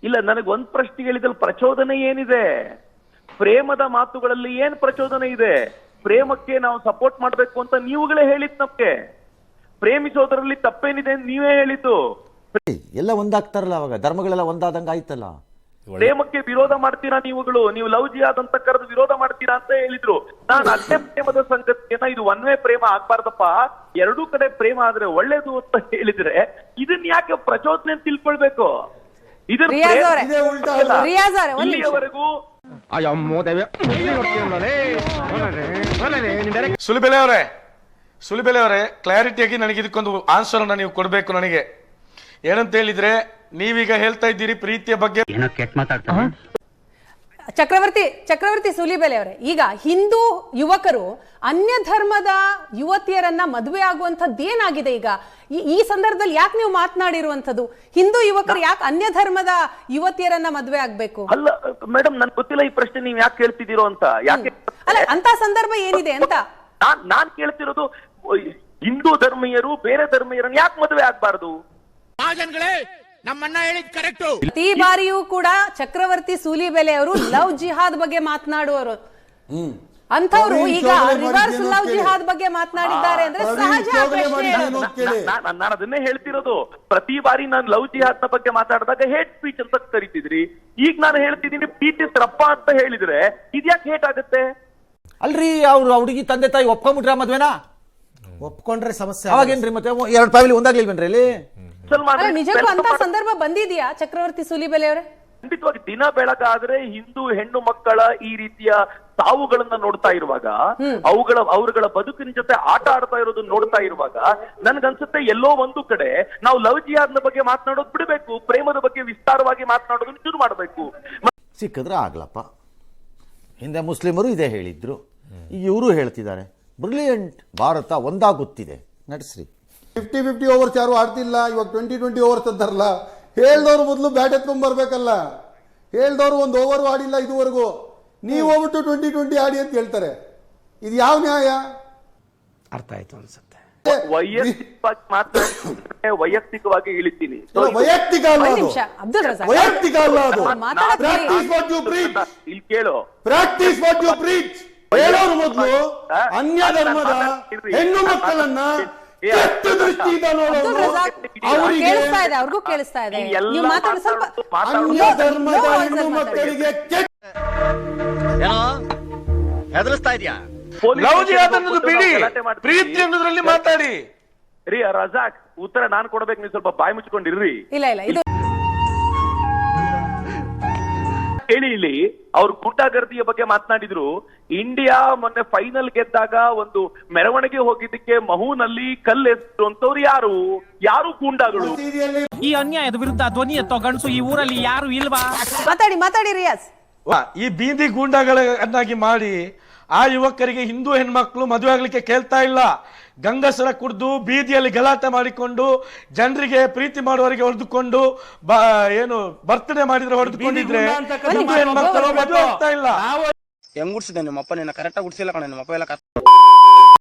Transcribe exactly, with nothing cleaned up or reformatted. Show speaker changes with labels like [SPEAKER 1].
[SPEAKER 1] ಇಲ್ಲ, ನನಗೆ ಒಂದ್ ಪ್ರಶ್ನೆ ಹೇಳಿದಲ್ಲಿ ಪ್ರಚೋದನೆ ಏನಿದೆ? ಪ್ರೇಮದ ಮಾತುಗಳಲ್ಲಿ ಏನ್ ಪ್ರಚೋದನೆ ಇದೆ? ಪ್ರೇಮಕ್ಕೆ ನಾವು ಸಪೋರ್ಟ್ ಮಾಡ್ಬೇಕು ಅಂತ ನೀವುಗಳೇ ಹೇಳಿದ್ ನಮ್ಗೆ. ಪ್ರೇಮಿಸೋದ್ರಲ್ಲಿ ತಪ್ಪೇನಿದೆ ಅಂತ ನೀವೇ ಹೇಳಿದ್ದು.
[SPEAKER 2] ಎಲ್ಲ ಒಂದಾಗ್ತಾರಲ್ಲ, ಅವಾಗ ಧರ್ಮಗಳೆಲ್ಲ ಒಂದಾದಂಗ ಆಯ್ತಲ್ಲ.
[SPEAKER 1] ಪ್ರೇಮಕ್ಕೆ ವಿರೋಧ ಮಾಡ್ತೀರಾ ನೀವುಗಳು? ನೀವು ಲವ್ ಜಿಹಾದ್ ಅಂತ ಕರೆದು ವಿರೋಧ ಮಾಡ್ತೀರಾ ಅಂತ ಹೇಳಿದ್ರು. ನಾನು ಅದೇ ಪ್ರೇಮದ ಸಂಗತಿಯನ್ನ ಇದು ಒನ್ ವೇ ಪ್ರೇಮ ಆಗ್ಬಾರ್ದಪ್ಪ, ಎರಡೂ ಕಡೆ ಪ್ರೇಮ ಆದ್ರೆ ಒಳ್ಳೇದು ಅಂತ ಹೇಳಿದ್ರೆ ಇದನ್ನ ಯಾಕೆ ಪ್ರಚೋದನೆ ಅಂತ ತಿಳ್ಕೊಳ್ಬೇಕು? ಇಲ್ಲಿಯವರೆಗೂ
[SPEAKER 3] ಸುಲಿಬೆಲೆ ಅವರೇ ಸುಲಿಬೆಲೆ ಅವರೇ ಕ್ಲಾರಿಟಿಯಾಗಿ ನನಗೆ ಇದಕ್ಕೊಂದು ಆನ್ಸರ್ ಅನ್ನ ನೀವು ಕೊಡ್ಬೇಕು. ನನಗೆ ಏನಂತ ಹೇಳಿದ್ರೆ, ನೀವೀಗ ಹೇಳ್ತಾ ಇದ್ದೀರಿ ಪ್ರೀತಿಯ ಬಗ್ಗೆ.
[SPEAKER 4] ಚಕ್ರವರ್ತಿ ಚಕ್ರವರ್ತಿ ಸೂಲಿಬೆಲೆ ಅವರೇ, ಈಗ ಹಿಂದೂ ಯುವಕರು ಅನ್ಯ ಧರ್ಮದ ಯುವತಿಯರನ್ನ ಮದುವೆ ಆಗುವಂಥದ್ದು ಏನಾಗಿದೆ? ಈಗ ಈ ಸಂದರ್ಭದಲ್ಲಿ ಯಾಕೆ ನೀವು ಮಾತನಾಡಿರುವಂತದ್ದು? ಹಿಂದೂ ಯುವಕರು ಯಾಕೆ ಅನ್ಯ ಧರ್ಮದ ಯುವತಿಯರನ್ನ ಮದುವೆ ಆಗ್ಬೇಕು?
[SPEAKER 1] ಅಲ್ಲ ಮೇಡಮ್, ನನ್ ಗೊತ್ತಿಲ್ಲ ಈ ಪ್ರಶ್ನೆ ನೀವ್ ಯಾಕೆ ಕೇಳ್ತಿದ್ದೀರೋ ಅಂತ. ಯಾಕೆ
[SPEAKER 4] ಅಲ್ಲ, ಅಂತ ಸಂದರ್ಭ ಏನಿದೆ ಅಂತ
[SPEAKER 1] ನಾನ್ ನಾನ್ ಕೇಳ್ತಿರೋದು, ಹಿಂದೂ ಧರ್ಮೀಯರು ಬೇರೆ ಧರ್ಮೀಯರನ್ನ ಯಾಕೆ ಮದುವೆ ಆಗ್ಬಾರ್ದು?
[SPEAKER 4] ಪ್ರತಿ ಬಾರಿಯೂ ಕೂಡ ಚಕ್ರವರ್ತಿ ಸೂಲಿಬೆಲೆ ಅವರು ಲವ್ ಜಿಹಾದ್ ಬಗ್ಗೆ ಮಾತನಾಡುವರು. ಅಂತವ್ರು ಈಗ ರಿವರ್ಸ್ ಲವ್ ಜಿಹಾದ್ ಬಗ್ಗೆ ಮಾತನಾಡಿದ್ದಾರೆ ಅಂದ್ರೆ ಸಹಜ.
[SPEAKER 1] ನಾನು ಅದನ್ನೇ ಹೇಳ್ತಿರೋದು. ಪ್ರತಿ ಬಾರಿ ನಾನು ಲವ್ ಜಿಹಾದ್ ನ ಬಗ್ಗೆ ಮಾತಾಡಿದಾಗ ಹೇಟ್ ಸ್ಪೀಚ್ ಅಂತ ಕರಿತಿದ್ರಿ. ಈಗ ನಾನು ಹೇಳ್ತಿದ್ದೀನಿ ಪ್ರೀತಿಸ್ರಪ್ಪ ಅಂತ ಹೇಳಿದ್ರೆ ಇದ್ಯಾಕೆ ಹೇಟ್ ಆಗುತ್ತೆ?
[SPEAKER 2] ಅಲ್ರಿ, ಅವ್ರು ಹುಡುಗಿ ತಂದೆ ತಾಯಿ ಒಪ್ಕೊಂಡ್ಬಿಟ್ರ ಮದ್ವೆನಾ?
[SPEAKER 5] ಒಪ್ಕೊಂಡ್ರೆ ಸಮಸ್ಯೆ
[SPEAKER 2] ಅವಾಗೇನ್ರಿ? ಮತ್ತೆ ಎರಡು ಫ್ಯಾಮಿಲಿ ಒಂದಾಗ್ಲಿಲ್ವೇನ್ರಿ ಅಲ್ಲಿ?
[SPEAKER 4] ನಿಜಕ್ಕೂ ಅಂತ ಸಂದರ್ಭ ಬಂದಿದ್ಯಾ ಚಕ್ರವರ್ತಿ ಸೂಲಿಬೆಲೆ ಅವರೇ?
[SPEAKER 1] ಖಂಡಿತವಾಗಿ ದಿನ ಬೆಳಗಾದ್ರೆ ಹಿಂದೂ ಹೆಣ್ಣು ಮಕ್ಕಳ ಈ ರೀತಿಯ ಸಾವುಗಳನ್ನ ನೋಡ್ತಾ ಇರುವಾಗ, ಅವುಗಳ ಅವರುಗಳ ಬದುಕಿನ ಜೊತೆ ಆಟ ಆಡ್ತಾ ಇರೋದನ್ನ ನೋಡ್ತಾ ಇರುವಾಗ ನನ್ಗನ್ಸುತ್ತೆ ಎಲ್ಲೋ ಒಂದು ಕಡೆ ನಾವು ಲವ್ ಜಿಹಾದ್ನ ಬಗ್ಗೆ ಮಾತನಾಡೋದು ಬಿಡಬೇಕು, ಪ್ರೇಮದ ಬಗ್ಗೆ ವಿಸ್ತಾರವಾಗಿ ಮಾತನಾಡೋದನ್ನ ಶುರು ಮಾಡಬೇಕು.
[SPEAKER 2] ಸಿಕ್ಕಿದ್ರೆ ಆಗ್ಲಪ್ಪ. ಹಿಂದೆ ಮುಸ್ಲಿಮರು ಇದೇ ಹೇಳಿದ್ರು, ಈಗ ಇವರು ಹೇಳ್ತಿದ್ದಾರೆ. ಬ್ರಿಲಿಯಂಟ್. ಭಾರತ ಒಂದಾಗುತ್ತಿದೆ, ನಡೆಸ್ರಿ.
[SPEAKER 6] ಫಿಫ್ಟಿ ಫಿಫ್ಟಿ ಓವರ್ಸ್ ಯಾರು ಆಡ್ತಿಲ್ಲ, ಇವಾಗ ಟ್ವೆಂಟಿ ಟ್ವೆಂಟಿ ಓವರ್ಸ್ ಅಂತಾರಲ್ಲ. ಹೇಳ್ದವ್ರು ಮೊದಲು ಬ್ಯಾಟ್ ಎತ್ಕೊಂಡ್ ಬರ್ಬೇಕಲ್ಲ. ಹೇಳ್ದವ್ರು ಒಂದು ಓವರ್ ಆಡಿಲ್ಲ ಇದುವರೆಗೂ, ನೀವು ಹೋಗ್ಬಿಟ್ಟು ಟ್ವೆಂಟಿ ಟ್ವೆಂಟಿ ಆಡಿ ಅಂತ ಹೇಳ್ತಾರೆ. ಇದು ಯಾವ ನ್ಯಾಯ?
[SPEAKER 5] ಅರ್ಥ ಆಯ್ತು ಅನ್ಸುತ್ತೆ.
[SPEAKER 1] ವೈಯಕ್ತಿಕವಾಗಿ ಮಾತ್ರ ವೈಯಕ್ತಿಕವಾಗಿ ಇಳಿತೀನಿ.
[SPEAKER 6] ವೈಯಕ್ತಿಕ ಅಲ್ಲ ಅದು, ವೈಯಕ್ತಿಕ ಅಲ್ಲ ಅದು. Practice what you preach. ಇಲ್ಲಿ ಕೇಳು, ಪ್ರಾಕ್ಟೀಸ್ ವಾಟ್ ಯು ಪ್ರೀಚ್. ಹೇಳೋರು ಮೊದಲು ಅನ್ಯ ಧರ್ಮದ ಹೆಣ್ಣು ಮಕ್ಕಳನ್ನ ದೃಷ್ಟಿಯಿಂದ ನೋಡೋದು.
[SPEAKER 4] ಅವ್ರಿಗೂ ಕೇಳಿಸ್ತಾ ಇದೆ.
[SPEAKER 6] ಅನ್ಯ ಧರ್ಮದ ಹೆಣ್ಣು ಮಕ್ಕಳಿಗೆ
[SPEAKER 3] ಹೆದರಿಸ್ತಾ ಇದೆಯಾ? ಲವ್ ಜಿಹಾದ್ ಅನ್ನೋದು ಬಿಡಿ, ಪ್ರೀತಿ ಅನ್ನೋದ್ರಲ್ಲಿ ಮಾತಾಡಿ.
[SPEAKER 1] ರೀ ರಜಾಕ್, ಉತ್ತರ ನಾನು ಕೊಡ್ಬೇಕು, ನೀವು ಸ್ವಲ್ಪ ಬಾಯಿ ಮುಚ್ಕೊಂಡಿರ್ರಿ.
[SPEAKER 4] ಇಲ್ಲ ಇಲ್ಲ, ಇದು
[SPEAKER 1] ಹೇಳಿ. ಇಲ್ಲಿ ಅವ್ರು ಗೂಂಡಾಗರ್ದಿಯ ಬಗ್ಗೆ ಮಾತನಾಡಿದ್ರು. ಇಂಡಿಯಾ ಮೊನ್ನೆ ಫೈನಲ್ ಗೆದ್ದಾಗ ಒಂದು ಮೆರವಣಿಗೆ ಹೋಗಿದ್ದಕ್ಕೆ ಮಹೂನಲ್ಲಿ ಕಲ್ಲೆಸರು ಅಂತವ್ರು ಯಾರು? ಯಾರು ಗೂಂಡಾಗಳು?
[SPEAKER 7] ಈ ಅನ್ಯಾಯದ ವಿರುದ್ಧ ಧ್ವನಿ ಎತ್ತೋ ಗಂಡಸು ಈ ಊರಲ್ಲಿ ಯಾರು ಇಲ್ವಾ?
[SPEAKER 4] ಮಾತಾಡಿ ಮಾತಾಡಿ ರಿಯಾಜ್.
[SPEAKER 3] ಈ ಬೀದಿ ಗೂಂಡಾಗಳನ್ನಾಗಿ ಮಾಡಿ ಆ ಯುವಕರಿಗೆ ಹಿಂದೂ ಹೆಣ್ಮಕ್ಳು ಮದುವೆ ಆಗ್ಲಿಕ್ಕೆ ಕೇಳ್ತಾ ಇಲ್ಲ. ಗಂಗಸರ ಕುಡ್ದು ಬೀದಿಯಲ್ಲಿ ಗಲಾಟೆ ಮಾಡಿಕೊಂಡು ಜನರಿಗೆ ಪ್ರೀತಿ ಮಾಡುವವರಿಗೆ ಹೊಡೆದುಕೊಂಡು ಏನು ಬರ್ತ್ಡೇ ಮಾಡಿದ್ರೆ ಹೊಡೆದುಕೊಂಡಿದ್ರೆ ಹಿಂದೂ ಹೆಣ್ಮಕ್ಳು ಮದುವೆ ಆಗ್ತಾ ಇಲ್ಲ.
[SPEAKER 8] ಹೆಂಗ್ ಗುಡ್ಸಿದೆ ನಿಮ್ಮಪ್ಪ? ನಿನ್ನ ಕರೆಕ್ಟಾಗಿ ಗುಡ್ಸಿಲ್ಲ ಕಣ ನಿಮ್ಮಪ್ಪ ಎಲ್ಲ.